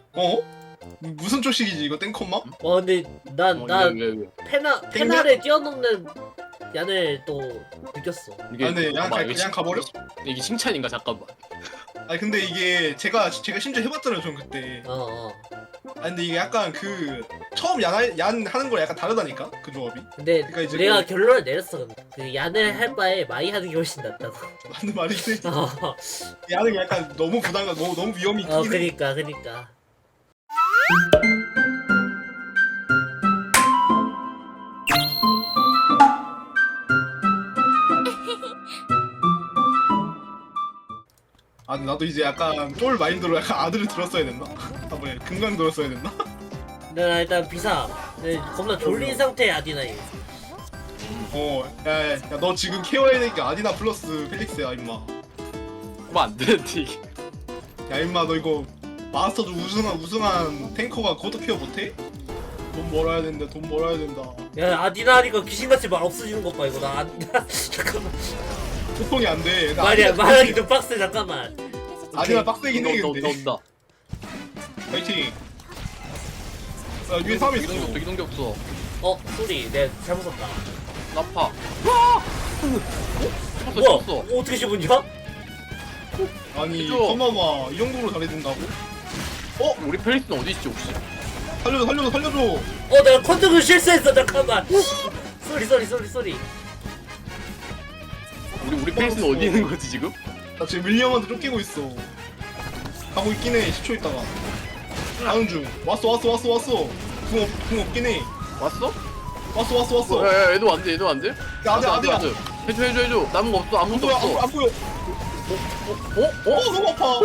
어? 무슨 초식이지 이거 땡컴마? 근데 난 왜? 페나를 뛰어넘는 얀을 또 느꼈어. 이게 아, 네, 잠깐만, 그냥 가버려? 이게 칭찬인가 잠깐만. 아니 근데 이게 제가 심지어 해봤잖아요 전 그때. 어. 아 근데 이게 약간 그 처음 얀 하는 거랑 약간 다르다니까 그 조합이. 근데 그러니까 이제 내가 결론을 내렸어. 그 얀을 할 바에 마이 하는 게 훨씬 낫다고. 맞는 말이긴 해. 어, 얀은 약간 너무 부담감 너무 위험이 크긴 해. 그니까. 아 나도 이제 약간 쫄 마인드로 약간 아들을 들었어야 됐나? 아 뭐야 금강 들었어야 됐나? 나 일단 비사. 네, 겁나 졸린 상태의 아디나이. 너 지금 케어해야 되니까 아디나 플러스 펠릭스야 임마. 그럼 안 되는데 이게. 야 임마 너 이거 마스터즈 우승한 탱커가 그것도 케어 못해? 돈 벌어야 된다 돈 벌어야 된다. 야 아디나 하니까 귀신같이 말 없어지는 것 봐 이거 나 잠깐만. 소통이 안 돼. 말하기 좀 빡세 잠깐만. 아디나 빡세긴 해 근데. 온다. 파이팅. 야 위에 사람 있어. 이동기 없어. 소리 내가 잘못 썼다. 나파. 뭐야? 쳤어. 어떻게 씹었냐? 아니 해줘. 서마마 이 정도로 잘해준다고? 우리 펠리스는 어디 있지 혹시? 살려줘. 내가 컨트롤 실수했어 잠깐만. 쏘리. 우리 펠리스는 어디 있는 거지 지금? 나 지금 밀리 형한테 쫓기고 있어. 가고 있긴 해 10초 있다가. 가는 중. 왔어. 궁 없긴 해. 왔어? 왔어. 야, 얘도 안 돼. 야 아디야. 해줘. 남은 거 없어. 아무것도 없어. 안 보여. 너무 아파.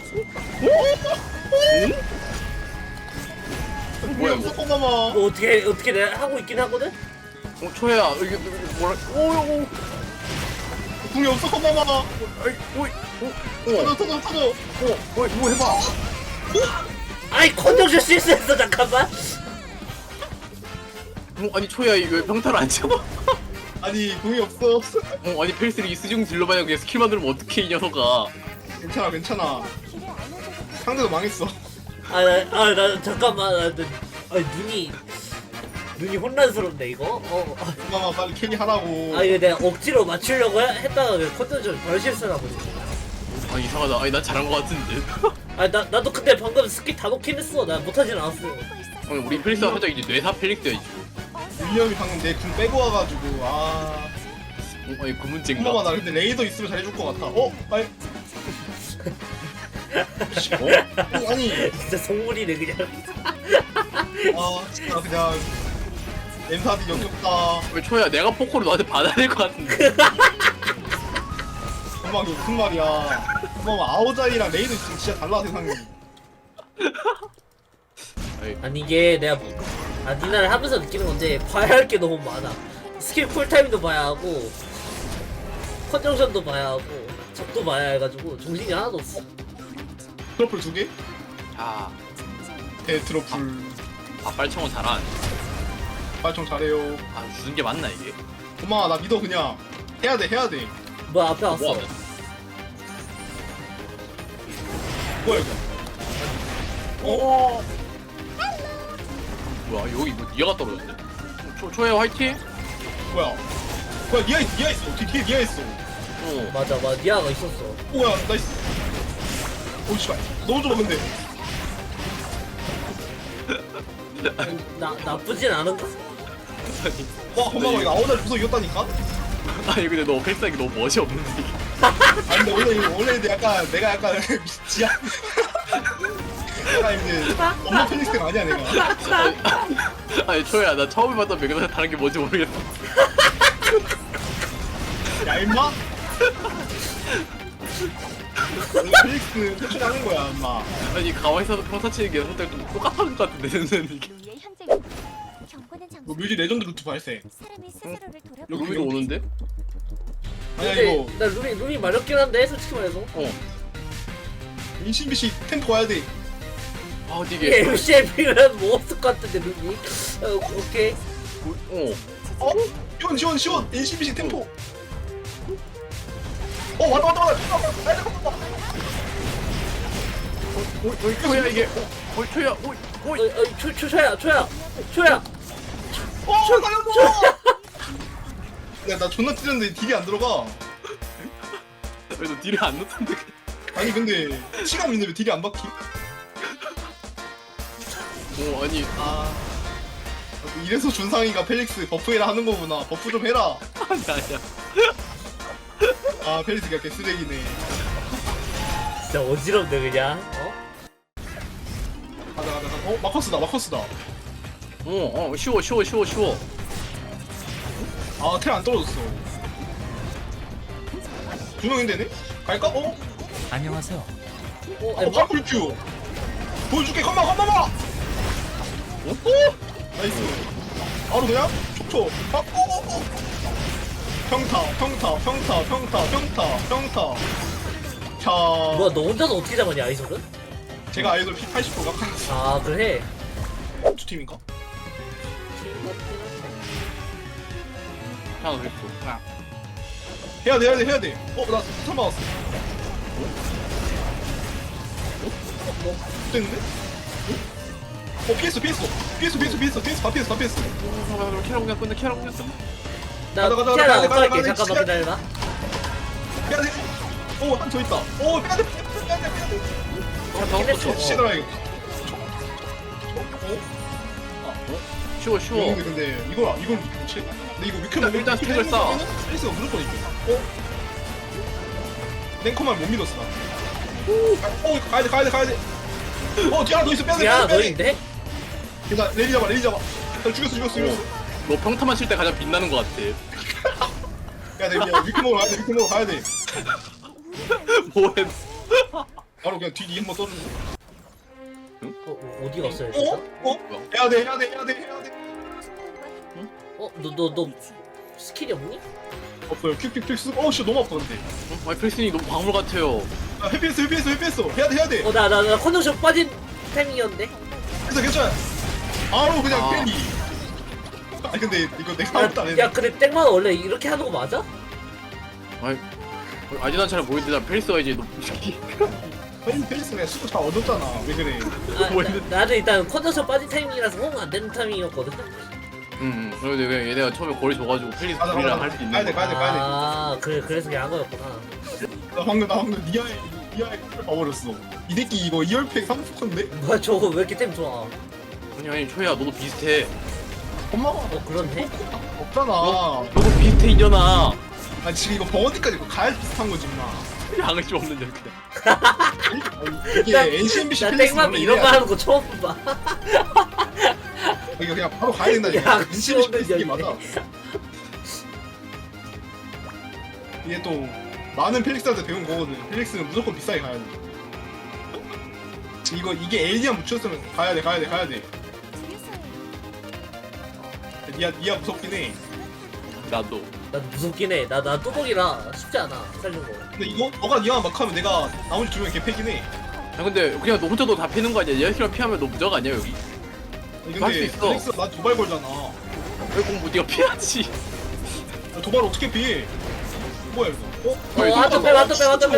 뭐야, 없어 이거? 서마마. 이거 어떻게 내가 하고 있긴 하거든? 초야. 이게 뭐라? 오. 궁이 없어 서마마. 터져. 뭐 해봐. 아이 컨트롤 실수했어 잠깐만. 아니 초야 이거 평타를 안 쳐? 아니 궁이 없어. 아니 펠리스를 이 수중 딜러마냥 그냥 스킬만 누르면 어떡해 이 녀석아. 괜찮아. 상대도 망했어. 나 잠깐만. 눈이 혼란스럽네 이거. 서마마 빨리 캐리 하라고. 이거 내가 억지로 맞추려고 했다가 컨트롤 좀 덜 실수하고. 아 이상하다. 아니 난 잘한 거 같은데. 나도 근데 방금 스킬 다 놓긴 했어. 나 못하진 않았어. 우리 펠리스가 살짝 이제 뇌사 펠릭스야 이제. 밀리 형이 방금 내 궁 빼고 와가지고 아니 그 문제인가? 서마마 나 근데 레이더 있으면 잘해줄 것 같아. 빨리. 아니 진짜 속물이네 그냥. 진짜 그냥 엠사디 역겹다. 왜 초야 내가 포커를 너한테 받아야 될 것 같은데. 정말 이게 무슨 말이야. 정말 아오자이랑 레이드 있으면 진짜 달라 세상이. 아니 이게 내가 아디나를 하면서 느끼는 건데 봐야 할 게 너무 많아. 스킬 쿨타임도 봐야 하고 컨정션도 봐야 하고 적도 봐야 해가지고 정신이 하나도 없어. 트러플 2개? 아 트러플. 빨청은 잘하네. 발총 잘해요. 주는 게 맞나 이게? 고마워 나 믿어 그냥. 해야 돼. 뭐 앞에 왔어. 뭐 하면? 뭐야 이거. 뭐야 여기 뭐 니아가 떨어졌네? 초야 화이팅? 뭐야 니아 있어. 뒤에 니아 있어. 맞아 니아가 있었어. 뭐야 나이스. 오 씨발 너무 좋아 근데. 나쁘진 않은가? 와 고마워 이거 아오자이 부서 이겼다니까? 아니 근데 너 펠싸기 너무 멋이 없는데 이게. 근데 원래 근데 내가 약간 지하. 약간 이제 엄마 펠릭스가 아니야 내가. 아니 초야 나 처음에 봤던 맥에서 다른 게 뭔지 모르겠어. 야 임마. 펠릭스 퇴출하는 거야 임마. 아니 가만히 있어도 평타 치는 게 선택 좀 똑같은 것 같은데 생각은 이게. 뭐 뮤지 레전드 루트 발생. 여기 위로 오는데? 아니야 근데 이거 나 룰이 마렵긴 한데 솔직히 말해서. 인신비씨 템포 와야 돼. 이게 MCMP는 뭐 없을 것 같은데 룰이. 오케이. 시원 인신비씨 템포. 왔다. 오이 초야 이게 오이 초야 오이 초야 살려줘! 야나 존나 찌렸는데 딜이 안 들어가. 그래도 딜이 안 넣던데. 아니 근데 시간 있는데 왜 딜이 안 박히? 오 아니 아 이래서 준상이가 펠릭스 버프해라 하는 거구나. 버프 좀 해라. 아니야. 아 펠릭스가 개쓰레기네. 진짜 어지럽네 그냥. 가자. 마커스다. 쉬워. 아 텔 안 떨어졌어. 두 명인데네? 갈까? 안녕하세요. 파쿠르큐 보여줄게. 컴마. 나이스. 바로 그냥 촉촉. 평타. 자, 뭐야 너 혼자서 어떻게 잡았냐 아이솔은? 제가 아이돌 피 80% 깎았어. 아 그래? 두 팀인가? 하나 더 있어. 해야 돼. 나 스탄 맞았어. 됐는데? 피했어. 다 피했어. 캐럿 그냥 끝내. 나 가자. 티아라 가자. 어떡할게 잠깐만 기다려봐. 빼야 돼. 한 더 있다. 빼야 돼. 잡긴 했어. 시들아 이거. 쉬워. 근데 이걸 뭐지? 근데 이거 일단 스택을 쌓아. 스페이스가 무조건 있대. 랭커만 못 믿었어 나. 가야 돼. 뒤에 너 있어. 빼야 돼. 야 너인데? 나 레리 잡아. 나 죽였어. 너 평타만 칠 때 가장 빛나는 것 같아. 야, 위크 먹으러 가야 돼. 뭐해? 바로 그냥 뒤 한번 써주고. 어디 갔어요 진짜? 해야 돼. 너 스킬이 없니? 없어요. 퀵 쓰고. 씨 너무 아파 근데. 아니 플렉스닝 너무 광물 같아요. 회피했어. 해야 돼. 나 컨디션 빠진 타이밍이었는데? 괜찮아. 바로 그냥 아. 팬이. 아니 근데 이거 내가 아무것도 안 야 했네. 근데 땡만 원래 이렇게 하는 거 맞아? 아니 난 잘 모르겠는데 나 펠리스가 이제 너 펠리스 그냥 수고 다 얻었잖아. 왜 그래? 나도 일단 컨디션 빠진 타이밍이라서 호응 안 되는 타이밍이었거든? 그래도 그냥 얘네가 처음에 거리 줘가지고 펠리스 가자. 우리랑 할 수 있는 가야 돼. 아 그래서 그냥 한 거였구나. 나 방금 니아의 걸 봐버렸어. 이 새끼 이거 2열팩 3포인데? 뭐야 저거 왜 이렇게 템 좋아? 아니 초야 너도 비슷해. 엄마가 그렇네? 없잖아. 너도 비슷해 이년아. 아니 지금 이거 벙어디까지 이거 가야 비슷한 거지 임마. 양심 없는 년 그냥. 이게 NCMBC 나 펠리스 땡맘이 이런 거 하는 거 처음 봐. 이거 그냥 바로 가야 된다니까. 야, NCMBC 펠리스 이게 시원해, 맞아. 이게 또 많은 펠릭스한테 배운 거거든. 펠릭스는 무조건 비싸게 가야 돼. 이게 엘리안 묻혔으면 가야 돼. 니아 무섭긴 해. 나도. 나도 무섭긴 해. 나 뚜벅이라 쉽지 않아 살는 거. 근데 이거 너가 니아 막 하면 내가 나머지 두 명 개패긴 해. 아 근데 그냥 너 혼자도 다 패는 거 아니야? 얘랑 피하면 너 무적 아니야 여기? 아니, 할수 근데 있어. 펠릭스가 나 도발 걸잖아. 왜 공부 네가 피하지? 도발 어떻게 피해? 뭐야 이거? 한쪽 빼. 야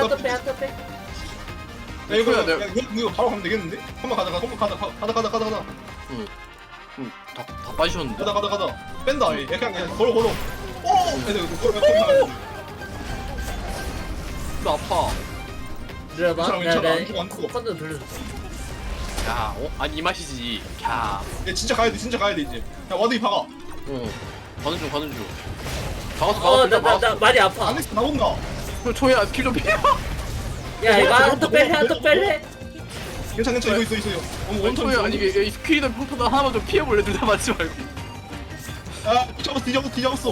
이거야, 내가- 이거 바로 가면 되겠는데? 한번 가자. 다 빠지셨는데. 가자. 뺀다. 얘 그냥 걸어. 오! 애들 걸어. 나 아파. 들어봐. 괜찮아. 안 죽어. 컨디션 돌려줘. 야, 아니 이 맛이지. 야, 얘 진짜 가야 돼 이제. 야 와드이 박아. 가는 중. 박았어. 나 많이 아파. 안에서 나온다. 초야 스킬 좀 피해. 야 이거 한쪽 뺄래? 괜찮아. 이거 있어. 원턴 초야 아니 이게 스킬이나 평타나 하나만 좀 피해볼래? 둘 다 맞지 말고. 아 뒤잡았어.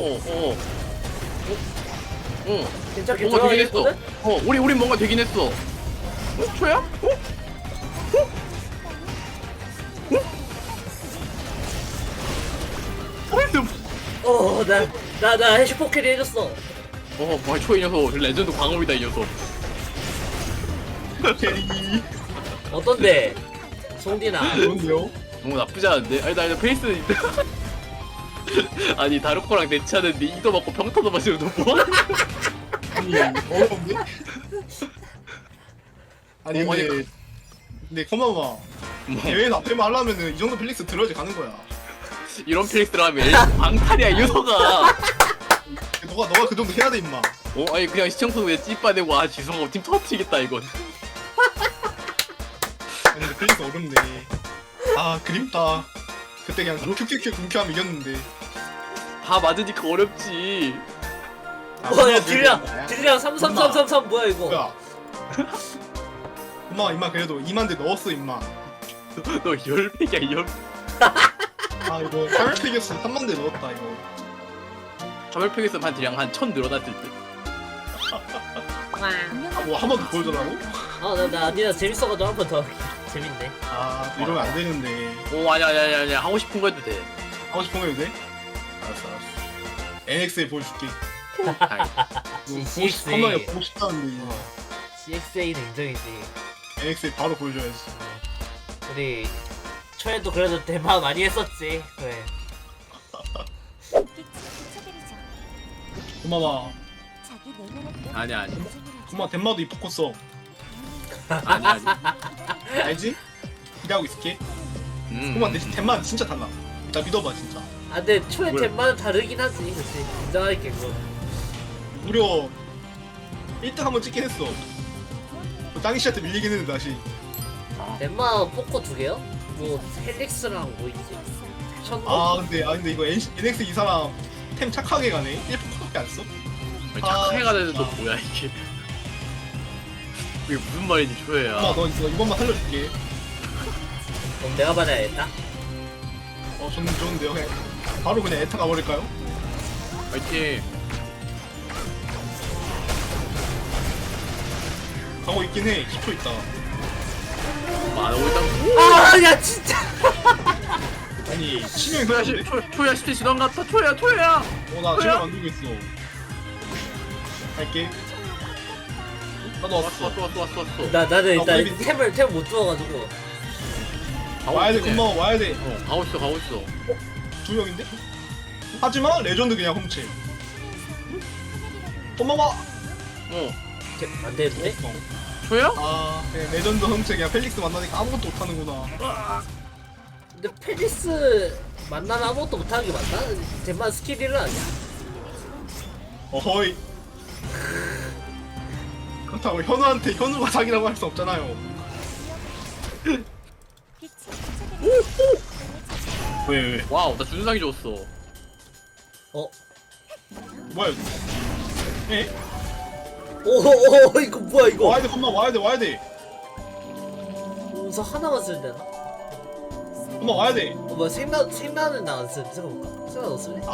괜찮게 뭔가 되긴 했어. 들어가겠거든? 우리 뭔가 되긴 했어. 초야? 나 해시포 캐리 해줬어. 뭐야 초이 녀석 레전드 광업이다 이 녀석. 캐리. 어떤데? 송디나. 좋은데요? 너무 나쁘지 않은데? 아니 나 페이스 아니 다르코랑 대치하는데 이도 맞고 평타도 맞으면 너 뭐하는 아니 어려운데? 아니 근데 근데 고마워. 뭐 대회 앞에만 하려면은 이 정도 필릭스 들어야지 가는 거야. 이런 필릭스를 하면 방탈이야 유서가. 너가 그 정도 해야 돼 임마. 아니 그냥 시청소 그냥 찌빠대고 아 지성하고 팀 터트리겠다 이건. 아니 근데 필릭스 어렵네. 아 그립다. 그때 그냥 큐큐큐 궁큐하면 이겼는데. 다 맞으니까 어렵지. 아, 와야 뭐야, 딜이랑 33333 뭐야 이거? 뭐야? 엄마 임마 그래도 2만 대 넣었어 임마. 너 열팩이야 열. 아 이거 800팩이었으면 3만 대 넣었다 이거. 가멸팩에서 한 대량 한1000 늘어났을 듯. 뭐 한 번 더 보여주라고? 나 아니라 재밌어가지고 한 번 더 재밌네. 아 이러면 안 되는데. 오 아니야 하고 싶은 거 해도 돼. 하고 싶은 거 해도 돼? 알았어. NX에 보여줄게. 아이, CXA. 컴퓨터에 보고 싶다는데 CXA는 인정이지. NX에 바로 보여줘야지. 우리 초에도 그래도 대박 많이 했었지. 그래. 고마워. 아니야. 고마워 덴마도 이 포커 써. 아니. 알지? 기대하고 있을게. 고마워 내 덴마 진짜 달라. 나 믿어봐 진짜. 아 근데 초에 뭐야? 덴마는 다르긴 하지. 그치. 인정할게 그거. 무려 1등 한번 찍긴 했어. 땅이 씨한테 밀리긴 했는데 다시. 덴마 포커 2개요? 뭐 헬릭스랑 뭐 있지? 천도? 아 근데 이거 NX 이 사람 템 착하게 가네. 1포커밖에 안 써? 착하게 가는 너 뭐야 이게. 이게 무슨 말인지 조회야. 엄마 너 이번만 살려줄게. 그럼 내가 받아야겠다. 좋은데요. 그냥 바로 그냥 에타 가버릴까요? 파이팅. 가고 있긴 해. 10초 있다. 안 오고 있다. 아, 야 진짜. 아니 치명이 초야 그런데? 초야 10대 지난 같다. 초야. 나 지금 만들고 있어. 갈게. 나도 왔어. 왔어. 나는 일단 어디 있지? 템을 못 주워가지고. 와야 돼, 고마워, 와야 돼. 가고 있어. 2명인데? 하지만 레전드 그냥 훔치. 고마워. 안 되는데? 초야? 아, 그냥 레전드 훔치 그냥 펠릭스 만나니까 아무것도 못하는구나. 근데 페리스 만나면 아무것도 못하는 게 맞나? 덴마 스킬 1은 아니야? 어허이. 그렇다고 현우한테 현우가 사기라고 할 수 없잖아요. 왜? 와우 나 준상이 줬어. 뭐야 이거? 에? 오 이거 뭐야 이거? 와야 돼, 엄마 와야 돼. 우선 하나만 쓰면 되나? 엄마 와야 돼. 뭐야 생나는 나안 쓰는데 생각해볼까? 생나 너 쓸래?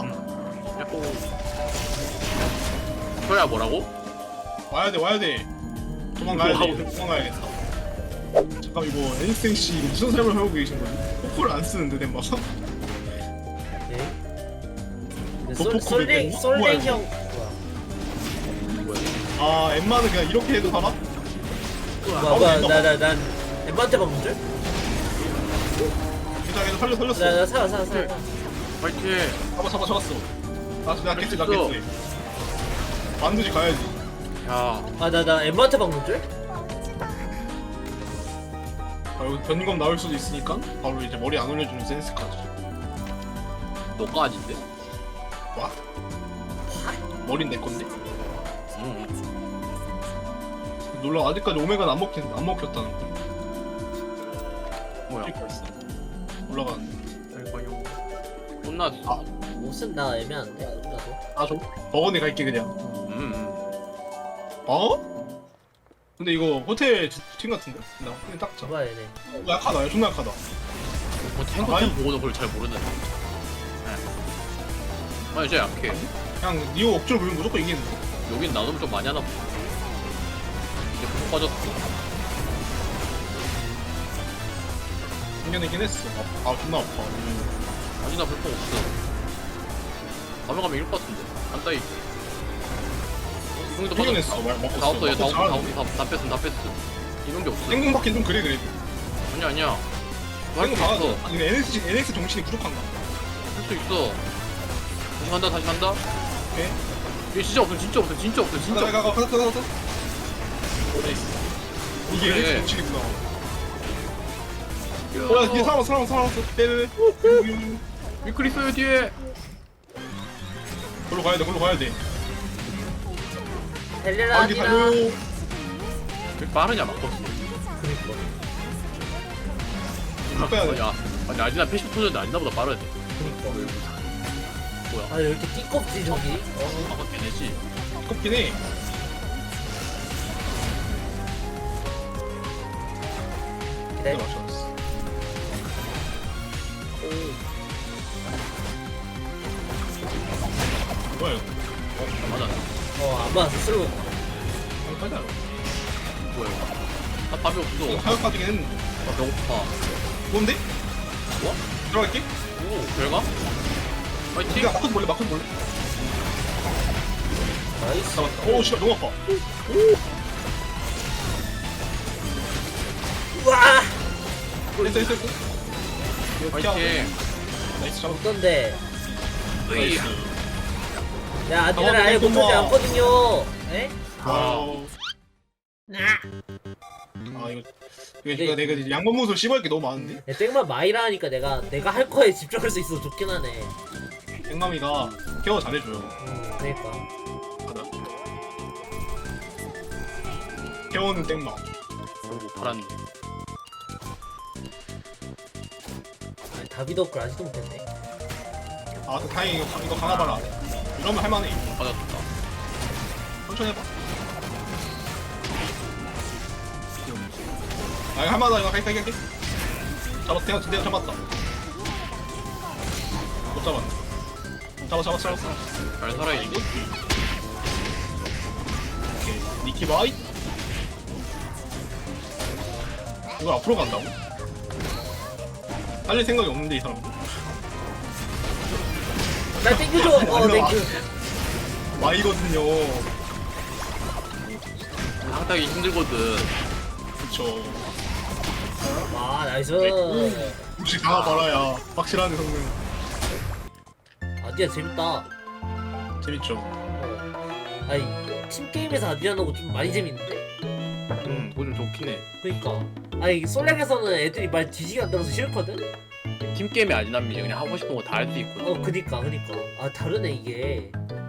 초야 뭐라고? 와야 돼. 도망가야겠다. 잠깐 이거 NXC 이거 무슨 삶을 하고 계신 거지? 포코를 안 쓰는데 덴마가? 네. 너 포커 솔랭 왜 솔랭 뭐야, 형 아 엠마는 그냥 이렇게 해도 살아? 뭐야 난 엠마한테 박는 줄? 괜찮아 살렸어. 나 살아 파이팅. 잡았어. 나 깼지. 있어. 만두지 가야지. 야 나 엠마한테 박는 줄? 여기 변검 나올 수도 있으니까 바로 이제 머리 안 올려주는 센스까지. 너가 아닌데? 와? 머린 내 건데? 놀라 아직까지 오메가는 안 먹혔다는 거. 뭐야? 있어. 올라가는데. 혼났어. 아. 옷은 나 애매한데 나도. 좀 버거니 갈게 그냥. 어? 근데 이거 호텔 팀 같은데? 나 호텔 딱 잡아. 잡아야 돼. 약하다. 존나 약하다. 뭐 탱커템 보고도 그걸 잘 모르는. 아니 진짜 약해. 그냥 니오 억지로 보면 무조건 이기는데. 여긴 나눔 좀 많이 하나 보다. 이제 푹 빠졌어. 생겨내긴 했어. 존나 아파. 아니 나 불법 없어. 가면 이길 것 같은데. 안다이. 이동도 생겨냈어. 먹고 다 없어. 얘 다 잘하는데. 뺐어. 이런 게 없어. 생공 받긴 좀 그래. 아니야. 생공 할수 박아줘. 있어. 아니 NX 정신이 부족한가? 할 수 있어. 다시 간다. 오케이. 얘 진짜 없어. 가자. 이게 그래. NX 정신이구나. 뭐야 뒤에 살아났어 빼빼빼 위클 있어요 뒤에. 걸로 가야 돼 달려라 아 이게 아디나. 달려 왜 빠르냐 막거스. 그니까. 빼야 돼 야 아니 아디나 패시 터졌는데 아디나보다 빠르네. 그니까. 뭐야? 아 이렇게 띠껍지 저기. 아까 깨내지. kop긴 해 기다려. 맞췄어 뭐야 이거 맞아. 안 맞았어 슬로우. 빨리 뭐야 이거. 나 밥이 없어. 가격 빠지긴 했는데 아 배고파. 뭔데? 뭐? 들어갈게 오 별가? 파이팅. 니가 마크도 몰래 나이스. 잡았다 오 씨발 너무 아파 우와. 했어 파이팅. 나이스 잡았다 어떤데? 으이. 야 아디나를 아예 못하지 않거든요. 에? 와우 나. 아 이거 내가 이제 양반무술 씹어할 게 너무 많은데 땡만 마이라 하니까 내가 할 거에 집중할 수 있어서 좋긴 하네. 땡맘이가 케어 잘해줘요 그러니까. 하나 케어는 땡맘 오고 팔았네. 다비더클 아직도 못했네. 아 다행히 이거 강화봐라 이러면 할만해 받았다. 천천히 해봐 아 이거 할만하다 이거 갈게 잡았어 내가 잡았다 못 잡았네 잡았어 잘 살아야지. 오케이 니키바이 이거 앞으로 간다고? 살릴 생각이 없는데 이 사람 나 땡겨줘. 땡큐. 마이거든요 항타기 힘들거든. 그쵸 아 나이스. 혹시 강화봐라야 확실하네 성능 아디야 재밌다. 재밌죠 아니 팀 게임에서 아디아 나고 좀 많이 재밌는데? 그거 좀 좋긴 해. 그니까. 아니 솔랭에서는 애들이 말 뒤지게 안 들어서 싫거든? 팀 게임이 아디나미지 그냥 하고 싶은 거 다 할 수 있거든. 그니까. 아 다르네 이게.